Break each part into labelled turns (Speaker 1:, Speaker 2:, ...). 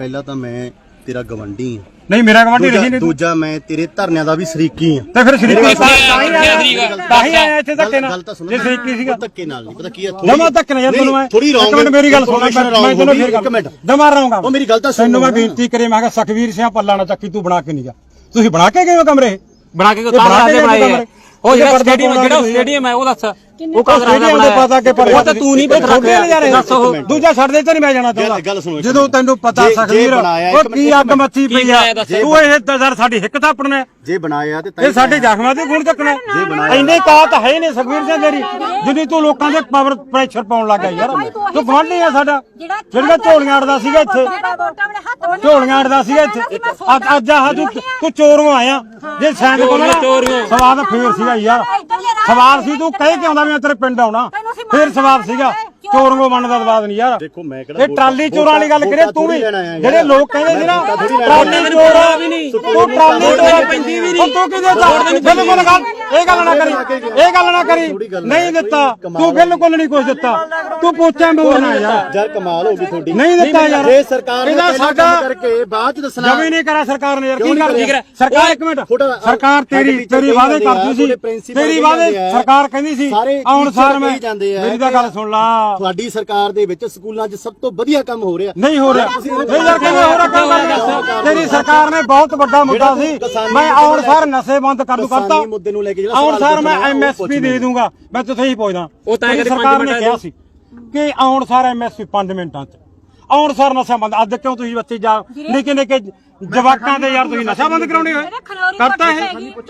Speaker 1: ਪਹਿਲਾਂ ਤਾਂ ਮੈਂ ਤੇਰਾ ਗਵੰਡੀ ਆ।
Speaker 2: ਨਹੀਂ ਮੇਰਾ ਗਵਾਂਢੀ ਰਹੀ ਨਹੀਂ।
Speaker 1: ਦੂਜਾ ਮੈਂ ਤੇਰੇ ਧਰਨਿਆਂ ਦਾ ਵੀ ਸ਼ਰੀਕੀ ਆ।
Speaker 2: ਤੇ ਫਿਰ ਸ਼ਰੀਕੀ ਤਾਂ ਹੀ ਆਇਆ ਇੱਥੇ ਧੱਕੇ ਨਾਲ। ਜੇ ਸ਼ਰੀਕੀ ਸੀਗਾ
Speaker 1: ਧੱਕੇ ਨਾਲ ਨਹੀਂ ਪਤਾ ਕੀ ਆ
Speaker 2: ਜਮਾ ਧੱਕੇ ਨਾਲ ਯਾਰ ਤੈਨੂੰ ਮੈਂ
Speaker 1: ਥੋੜੀ ਰੌਂਗ
Speaker 2: ਮੇਰੀ ਗੱਲ ਸੁਣ ਮੈਂ ਤੈਨੂੰ ਫੇਰ
Speaker 1: ਇੱਕ ਮਿੰਟ
Speaker 2: ਦਮਾ ਰਹਾਂਗਾ।
Speaker 1: ਉਹ ਮੇਰੀ ਗੱਲ ਤਾਂ ਸੁਣ।
Speaker 2: ਤੈਨੂੰ ਮੈਂ ਬੇਨਤੀ ਕਰੇ ਮੈਂ ਕਿਹਾ ਸਖਵੀਰ ਸਿੰਘ ਪੱਲਾ ਨਾ ਚੱਕੀ ਤੂੰ ਬਣਾ ਕੇ ਨਹੀਂ ਗਿਆ। ਤੁਸੀਂ ਬਣਾ ਕੇ ਗਏ ਹੋ ਕਮਰੇ?
Speaker 3: ਬਣਾ ਕੇ ਬਣਾਏ ਉਹ ਜਿਹੜਾ ਸਟੇਡੀਅਮ ਹੈ ਉਹ ਦੱਸ ਉਹ
Speaker 2: ਸਟੇਡੀਅਮ ਦੇ ਪਤਾ ਕਿ ਪਰ
Speaker 3: ਉਹ ਤਾਂ ਤੂੰ ਨਹੀਂ ਪਤਾ
Speaker 2: ਦੱਸ ਉਹ ਦੂਜਾ ਛੱਡ ਦੇ ਤੇ ਨਹੀਂ ਮੈਂ ਜਾਣਾ ਚਾਹੁੰਦਾ। ਜਦੋਂ ਤੈਨੂੰ ਪਤਾ ਸਖਵੀਰ ਉਹ ਕੀ ਅੱਗ ਮੱਚੀ ਪਈ ਆ ਤੂੰ ਇਹ ਦਜ਼ਰ ਸਾਡੀ ਹਿੱਕ ਥਾਪਣਾ
Speaker 1: ਜੇ ਬਣਾਇਆ ਤੇ
Speaker 2: ਇਹ ਸਾਡੇ ਜ਼ਖਮਾਂ ਤੇ ਗੁਣ ਚੱਕਣਾ। ਇੰਨੇ ਕਾਤ ਹੈ ਨਹੀਂ ਸਖਵੀਰ ਸਿੰਘ ਤੇਰੀ ਜਿੰਨੀ ਤੂੰ ਲੋਕਾਂ ਦੇ ਪਾਵਰ ਪ੍ਰੈਸ਼ਰ ਪਾਉਣ ਲੱਗਾ ਯਾਰ। ਤੂੰ ਗਵਾਂਢੀ ਆ ਸਾਡਾ ਜਿਹੜੀਆਂ ਝੋਲੀਆਂ ਅੜਦਾ ਸੀਗਾ ਇੱਥੇ ਝੋਲੀਆਂ ਅੜਦਾ ਸੀਗਾ ਇੱਥੇ ਅੱਜ ਆਹ ਤੂੰ ਚੋਰੋਂ ਆਇਆ ਜੇ ਸੈਂਡ ਕੋਲ ਸਵਾਦ ਫੇਰ ਸੀਗਾ ਯਾਰ ਸਵਾਲ ਸੀ ਤੂੰ ਕਹਿ ਕੇ ਆਉਂਦਾ ਮੈਂ ਤੇਰੇ ਪਿੰਡ ਆਉਣਾ ਫੇਰ ਸਵਾਲ ਸੀਗਾ ਚੋਰੋਂ ਬਣਨ ਦਾ ਸਵਾਦ ਨਹੀਂ ਯਾਰ।
Speaker 1: ਦੇਖੋ ਮੈਂ ਕਿਹੜਾ
Speaker 2: ਇਹ ਟਰਾਲੀ ਚੋਰਾਂ ਵਾਲੀ ਗੱਲ ਕਰੇ ਤੂੰ ਵੀ ਜਿਹੜੇ ਲੋਕ ਕਹਿੰਦੇ ਸੀ ਨਾ ਟਰਾਲੀ ਚੋਰ ਵੀ ਨਹੀਂ ਤੂੰ ਟਰਾਲੀ ਚੋਰ ਪੈਂਦੀ ਵੀ ਨਹੀਂ ਤੂੰ ਕਿਹਦੇ ਦਾ ਬਿਲਕੁਲ ਗੱਲ ਇਹ ਗੱਲ ਨਾ ਕਰੀ ਨਹੀਂ ਦਿੱਤਾ ਤੂੰ ਬਿਲਕੁਲ ਨਹੀਂ ਕੁਝ ਦਿੱਤਾ ਤੂੰ ਪੁੱਛਾਂ ਬੋਲਣਾ
Speaker 1: ਯਾਰ ਕਮਾਲ ਹੋ ਗਈ ਤੁਹਾਡੀ
Speaker 2: ਨਹੀਂ ਦਿੱਤਾ ਯਾਰ।
Speaker 1: ਜੇ ਸਰਕਾਰ ਨੇ
Speaker 2: ਇਹਦਾ ਸਾਡਾ
Speaker 1: ਕਰਕੇ ਬਾਅਦ ਚ ਦੱਸਣਾ
Speaker 2: ਜਮੀ ਨਹੀਂ ਕਰਾ ਸਰਕਾਰ ਨੇ ਯਾਰ ਕੀ ਕਰ ਸਰਕਾਰ ਇੱਕ ਮਿੰਟ ਸਰਕਾਰ ਤੇਰੀ ਵਾਅਦੇ ਕਰਦੀ ਸੀ ਤੇਰੀ ਵਾਅਦੇ ਸਰਕਾਰ ਕਹਿੰਦੀ ਸੀ ਆਉਣ ਸਾਰ ਮੈਂ ਮੇਰੀ ਤਾਂ ਗੱਲ ਸੁਣ ਲਾ
Speaker 1: ਤੁਹਾਡੀ ਸਰਕਾਰ ਦੇ ਵਿੱਚ ਸਕੂਲਾਂ 'ਚ ਸਭ ਤੋਂ ਵਧੀਆ ਕੰਮ ਹੋ ਰਿਹਾ
Speaker 2: ਨਹੀਂ ਹੋ ਰਿਹਾ ਨਹੀਂ ਯਾਰ ਕਿਵੇਂ ਹੋ ਰਿਹਾ ਕੰਮ ਤੇਰੀ ਸਰਕਾਰ ਨੇ ਬਹੁਤ ਵੱਡਾ ਮੁੱਦਾ ਸੀ ਮੈਂ ਆਉਣ ਸਾਰ ਨਸ਼ੇ ਬੰਦ ਕਰ ਦੂ ਕਰਤਾ
Speaker 1: ਮੁੱਦੇ ਨੂੰ ਲੈ ਕੇ
Speaker 2: ਆਉਣ ਸਾਰ ਮੈਂ ਐਮਐਸਪੀ ਦੇ ਦੂੰਗਾ ਮੈਂ ਤੁਥੇ ਹੀ ਪੁੱਛਦਾ ਸਰਕਾਰ ਨੇ ਕਿਹਾ ਸੀ ਕਿ ਆਉਣ ਸਾਰ ਐਮਐਸਪੀ 5 ਮਿੰਟਾਂ 'ਚ ਆਉਣ ਸਾਰ ਨਸ਼ਾ ਬੰਦ। ਅੱਜ ਕਿਉਂ ਤੁਸੀਂ ਬੱਚੇ ਜਾ ਨਿੱਕੇ ਨਿੱਕੇ ਜਵਾਕਾਂ ਦੇ ਯਾਰ ਤੁਸੀਂ ਨਸ਼ਾ ਬੰਦ ਕਰਾਉਣੇ ਹੋਏ ਕਰਤਾ ਹੈ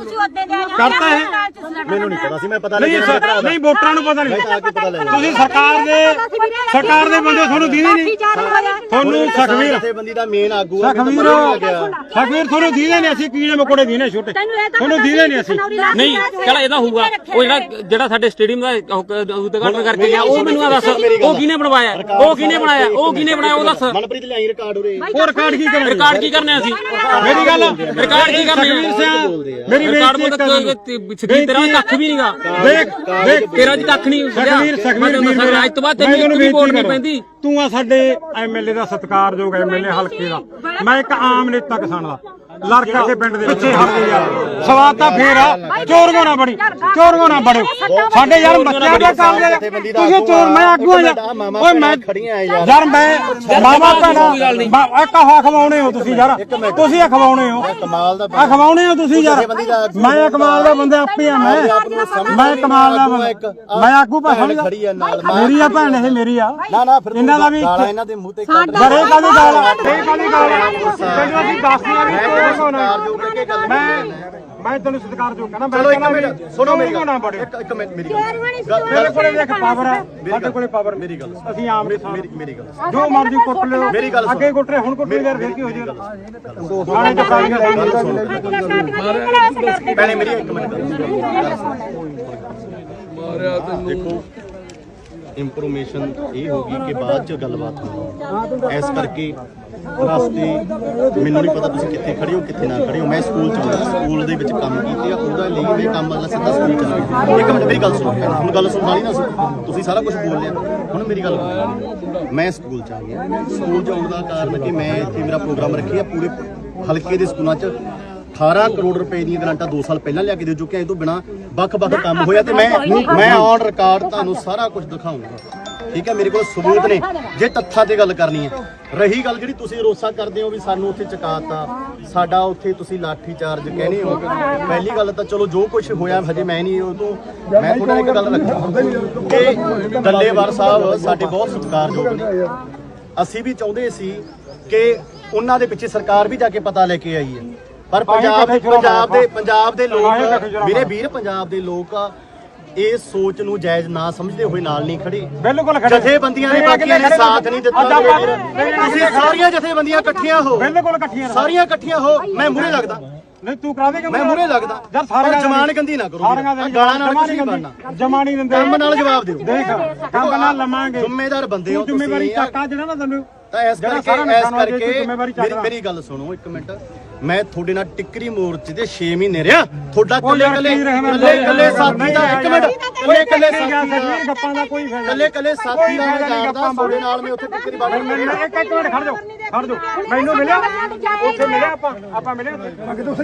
Speaker 1: ਮੈਨੂੰ ਨਹੀਂ ਪਤਾ ਸੀ ਮੈਂ ਪਤਾ
Speaker 2: ਨਹੀਂ ਵੋਟਰਾਂ ਨੂੰ ਪਤਾ ਨਹੀਂ ਤੁਸੀਂ ਸਰਕਾਰ ਦੇ ਬੰਦੇ ਤੁਹਾਨੂੰ ਦੀਦੇ ਨਹੀਂ ਤੁਹਾਨੂੰ ਸਖਵੀਰ
Speaker 1: ਜਥੇਬੰਦੀ ਦਾ ਮੇਨ ਆਗੂ
Speaker 2: ਸਖਵੀਰ ਤੁਹਾਨੂੰ ਦੀਦੇ ਨਹੀਂ ਅਸੀਂ ਕੀੜੇ ਮਕੋੜੇ ਦੀਨੇ ਛੋਟੇ ਤੁਹਾਨੂੰ ਦੀਦੇ ਨਹੀਂ ਅਸੀਂ
Speaker 3: ਨਹੀਂ ਚਲ ਇਹਦਾ ਹੋਊਗਾ ਉਹ ਜਿਹੜਾ ਸਾਡੇ ਸਟੇਡੀਅਮ ਦਾ ਉਦਘਾਟਨ ਕਰਕੇ ਗਿਆ ਉਹ ਮੈਨੂੰ ਦੱਸ ਉਹ ਕਿਹਨੇ ਬਣਵਾਇਆ ਉਹ ਕਿਹਨੇ ਬਣਾਇਆ ਉਹ ਦੱਸ।
Speaker 1: ਮਨਪ੍ਰੀਤ ਲਿਆਈ ਰਿਕਾਰਡ ਉਰੇ
Speaker 2: ਉਹ ਰਿਕਾਰਡ ਕੀ ਕਰਨਾ ਅਸੀਂ
Speaker 3: ਮੇਰੀ ਗੱਲ ਰਿਕਾਰਡ ਕੀ ਕਰਨਾ
Speaker 2: ਮੇਰੀ
Speaker 3: ਰਿਕਾਰਡ ਤੇਰਾ ਕੱਖ ਵੀ ਨਹੀਂਗਾ ਦੇਖ ਤੇਰਾ ਜੀ ਕੱਖ ਨਹੀਂ ਸਖਵੀਰ ਅੱਜ ਤੋਂ ਬਾਅਦ ਤੈਨੂੰ ਵੀ ਵੋਟ ਨਹੀਂ ਪੈਂਦੀ।
Speaker 2: ਤੂੰ ਆ ਸਾਡੇ ਐਮਐਲਏ ਦਾ ਸਤਿਕਾਰਯੋਗ ਐਮਐਲਏ ਹਲਕੇ ਦਾ ਮੈਂ ਇੱਕ ਆਮ ਨੇਤਾ ਕਿਸਾਨ ਦਾ ਲੜ ਕੇ ਪਿੰਡ ਦੇ ਪਿੱਛੇ ਹਟ ਕੇ ਯਾਰ ਸਵਾਦ ਤਾਂ ਫੇਰ ਆ ਚੋਰੀਆਂ ਨਾ ਬੜਿਓ ਸਾਡੇ ਯਾਰ ਬੱਚਿਆਂ ਦੇ ਕੰਮ ਦੇ ਤੁਸੀਂ ਚੋਰ ਮੈਂ ਆਗੂ ਆ ਓਏ ਮੈਂ ਯਾਰ ਮੈਂ ਮਾਵਾ ਭੈਣਾ ਕਹਾ ਖਵਾਉਣੇ ਹੋ ਤੁਸੀਂ ਯਾਰ ਤੁਸੀਂ ਖਵਾਉਣੇ ਹੋ
Speaker 1: ਕਮਾਲ ਦਾ
Speaker 2: ਖਵਾਉਣੇ ਹੋ ਤੁਸੀਂ ਯਾਰ ਮੈਂ ਕਮਾਲ ਦਾ ਬੰਦਾ ਆਪੇ ਆ ਮੈਂ ਕਮਾਲ ਦਾ ਬੰਦਾ ਮੈਂ ਆਗੂ ਭਾਣ ਮੇਰੀ ਆ ਭੈਣ ਇਹ ਮੇਰੀ ਆ
Speaker 1: ਨਾ ਫਿਰ
Speaker 2: ਇਹਨਾਂ ਦਾ ਵੀ
Speaker 1: ਇਹਨਾਂ ਦੇ ਮੂੰਹ ਤੇ
Speaker 2: ਬੜੇ ਕਾਦੀ ਗੱਲ ਤੈਨੂੰ ਅਸੀਂ ਦੱਸਦੇ ਆ ਵੀ ਮੈਂ ਤੈਨੂੰ ਸਤਿਕਾਰਯੋਗ ਕਹਿੰਦਾ ਮੈਂ
Speaker 1: ਸੁਣੋ ਮੇਰੀ ਗੱਲ
Speaker 2: ਨਾ
Speaker 1: ਇੱਕ ਮਿੰਟ ਮੇਰੀ ਗੱਲ
Speaker 2: ਮੇਰੇ ਕੋਲੇ ਦੇਖ ਪਾਵਰ ਹੈ ਸਾਡੇ ਕੋਲੇ ਪਾਵਰ
Speaker 1: ਮੇਰੀ ਗੱਲ
Speaker 2: ਅਸੀਂ ਆਮ
Speaker 1: ਮੇਰੀ ਗੱਲ
Speaker 2: ਜੋ ਮਰਜ਼ੀ ਕੁੱਟ ਲਿਓ
Speaker 1: ਮੇਰੀ ਗੱਲ
Speaker 2: ਅੱਗੇ ਕੁੱਟ ਰਹੇ ਹੁਣ ਕੁੱਟ ਯਾਰ ਫਿਰ ਕੀ ਹੋ ਜਾਏਗਾ ਥਾਣੇ ਚ
Speaker 1: ਪਹਿਲੇ ਮੇਰੀ ਇੱਕ ਮਿੰਟ ਦੇਖੋ ਇੰਫੋਰਮੇਸ਼ਨ ਇਹ ਹੋਗੀ ਕਿ ਬਾਅਦ ਚ ਗੱਲਬਾਤ ਹੋਣੀ ਇਸ ਕਰਕੇ ਰਸਤੇ ਮੈਨੂੰ ਨਹੀਂ ਪਤਾ ਤੁਸੀਂ ਕਿੱਥੇ ਖੜੇ ਹੋ ਕਿੱਥੇ ਨਾ ਖੜੇ ਹੋ। ਮੈਂ ਸਕੂਲ ਚ ਆਉਂਦਾ ਸਕੂਲ ਦੇ ਵਿੱਚ ਕੰਮ ਕੀਤੇ ਆ ਉਹਦਾ ਲਈ ਮੈਂ ਕੰਮ ਵਾਲਾ ਸਿੱਧਾ ਸਕੂਲ ਚ ਆ ਗਿਆ। ਇੱਕ ਮਿੰਟ ਮੇਰੀ ਗੱਲ ਸੁਣੋ ਹੁਣ ਗੱਲ ਸੁਣ ਵਾਲੀ ਨਾ ਤੁਸੀਂ ਸਾਰਾ ਕੁਝ ਬੋਲ ਲਿਆ ਹੁਣ ਮੇਰੀ ਗੱਲ ਮੈਂ ਸਕੂਲ ਚ ਆ ਗਿਆ। ਸਕੂਲ ਚ ਆਉਣ ਦਾ ਕਾਰਨ ਕਿ ਮੈਂ ਇੱਥੇ ਮੇਰਾ ਪ੍ਰੋਗਰਾਮ ਰੱਖਿਆ ਪੂਰੇ ਹਲਕੇ ਦੇ ਸਕੂਲਾਂ ਚ 18 ਕਰੋੜ ਰੁਪਏ ਦੀਆਂ ਗ੍ਰਾਂਟਾਂ 2 ਸਾਲ ਪਹਿਲਾਂ ਲਿਆ ਕੇ ਦੇ ਚੁੱਕੇ ਆ। ਇਹ ਤੋਂ ਬਿਨਾਂ ਵੱਖ-ਵੱਖ ਕੰਮ ਹੋਇਆ ਤੇ ਮੈਂ ਔਨ ਰਿਕਾਰਡ ਤੁਹਾਨੂੰ ਸਾਰਾ ਕੁਝ ਦਿਖਾਉਂਗਾ ਠੀਕ ਹੈ। ਮੇਰੇ ਕੋਲ ਸਬੂਤ ਨੇ ਜੇ ਤੱਥਾਂ ਤੇ ਗੱਲ ਕਰਨੀ ਹੈ। ਰਹੀ ਗੱਲ ਜਿਹੜੀ ਤੁਸੀਂ ਰੋਸਾ ਕਰਦੇ ਹੋ ਵੀ ਸਾਨੂੰ ਉੱਥੇ ਚਕਾਤਾ ਸਾਡਾ ਉੱਥੇ ਤੁਸੀਂ ਲਾਠੀ ਚਾਰਜ ਕਹਿੰਦੇ ਹੋ ਪਹਿਲੀ ਗੱਲ ਤਾਂ ਚਲੋ ਜੋ ਕੁਝ ਹੋਇਆ ਹਜੇ ਮੈਂ ਨਹੀਂ ਉਹ ਤੋਂ ਮੈਂ ਤੁਹਾਡਾ ਇੱਕ ਗੱਲ ਰੱਖਾਂ ਕਿ ਡੱਲੇਵਾਲ ਸਾਹਿਬ ਸਾਡੇ ਬਹੁਤ ਸਤਿਕਾਰਯੋਗ ਨੇ। ਅਸੀਂ ਵੀ ਚਾਹੁੰਦੇ ਸੀ ਕਿ ਉਹਨਾਂ ਦੇ ਪਿੱਛੇ ਸਰਕਾਰ ਵੀ ਜਾ ਕੇ ਪਤਾ ਲੈ ਕੇ ਆਈ ਹੈ ਪਰ ਪੰਜਾਬ ਦੇ ਲੋਕ ਮੇਰੇ ਵੀਰ ਪੰਜਾਬ ਦੇ ਲੋਕ ਇਸ ਸੋਚ ਨੂੰ ਜਾਇਜ਼ ਨਾ ਸਮਝਦੇ ਹੋਏ ਨਾਲ ਨਹੀਂ ਖੜੇ
Speaker 2: ਬਿਲਕੁਲ
Speaker 1: ਜਥੇਬੰਦੀਆਂ ਨੇ ਬਾਕੀਆਂ ਨੇ ਸਾਥ ਨਹੀਂ ਦਿੱਤਾ। ਤੁਸੀਂ ਸਾਰੀਆਂ ਜਥੇਬੰਦੀਆਂ ਇਕੱਠੀਆਂ ਹੋ
Speaker 2: ਬਿਲਕੁਲ ਇਕੱਠੀਆਂ
Speaker 1: ਸਾਰੀਆਂ ਇਕੱਠੀਆਂ ਹੋ ਮੈਂ ਮੂਹਰੇ ਲੱਗਦਾ
Speaker 2: ਨਹੀਂ ਤੂੰ ਕਰਾ ਦੇਗਾ
Speaker 1: ਮੈਂ ਮੂਹਰੇ ਲੱਗਦਾ
Speaker 2: ਯਾਰ ਸਾਰੀਆਂ
Speaker 1: ਜਮਾਨ ਗੰਦੀ ਨਾ ਕਰੋ ਗਾਲਾਂ ਨਾਲ ਕੁਝ ਨਹੀਂ ਬਣਨਾ
Speaker 2: ਜਮਾ ਨਹੀਂ ਦਿੰਦੇ
Speaker 1: ਕੰਮ ਨਾਲ ਜਵਾਬ ਦਿਓ
Speaker 2: ਦੇਖ ਕੰਮ ਨਾਲ ਲਵਾਂਗੇ
Speaker 1: ਜ਼ਿੰਮੇਦਾਰ ਬੰਦੇ ਹੋ
Speaker 2: ਜ਼ਿੰਮੇਵਾਰੀ ਚੱਕਾ ਜਿਹੜਾ ਨਾ ਤੈਨੂੰ
Speaker 1: ਤਾਂ ਇਸ ਕਰਕੇ ਮੇਰੀ ਗੱਲ ਸੁਣੋ ਇੱਕ ਮਿੰਟ ਮੈਂ ਤੁਹਾਡੇ ਨਾਲ ਟਿੱਕਰੀ ਮੋਰਚੇ ਦੇ 6 ਮਹੀਨੇ ਰਿਹਾ ਤੁਹਾਡਾ ਕੱਲੇ ਸਾਥੀ ਦਾ ਇੱਕ ਮਿੰਟ ਕੱਲੇ ਸਾਥੀ ਦਾ ਮੈਂ ਜਾਣਦਾ ਤੁਹਾਡੇ ਨਾਲ ਮੈਂ ਉੱਥੇ ਟਿੱਕਰੀ ਬਾੜ
Speaker 2: ਇੱਕ ਮਿੰਟ ਖੜ ਜਾਓ ਛੱਡ ਦੋ ਮੈਨੂੰ ਮਿਲਿਆ ਉੱਥੇ ਮਿਲਿਆ ਆਪਾਂ ਮਿਲੇ ਉੱਥੇ ਤੁਸੀਂ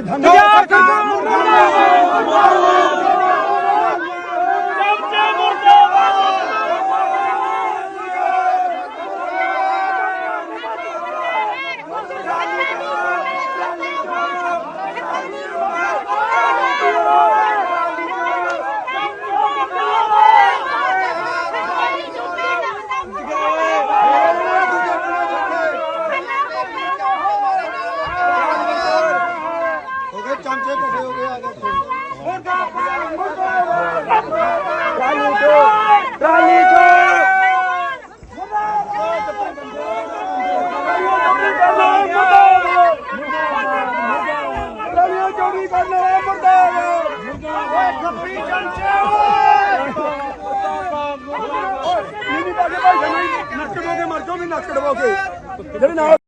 Speaker 1: ਚਮਚੇ ਇਕੱਠੇ ਹੋ ਗਏ ਆ ਗਏ
Speaker 2: ਟਰਾਲੀ ਚੋਰੀ ਕਰਨਾ ਮੁਰਦਾ ਓਏ ਖੱਪੀ ਚਮਚੇ ਓਏ ਨਹੀਂ ਬਾਗੇ ਭਾਈ ਨੱਕ ਡਵਾਓਗੇ ਮਰ ਜਾਓ ਵੀ ਨੱਕ ਡਵਾਓਗੇ ਜਿਹੜੇ ਨਾਲ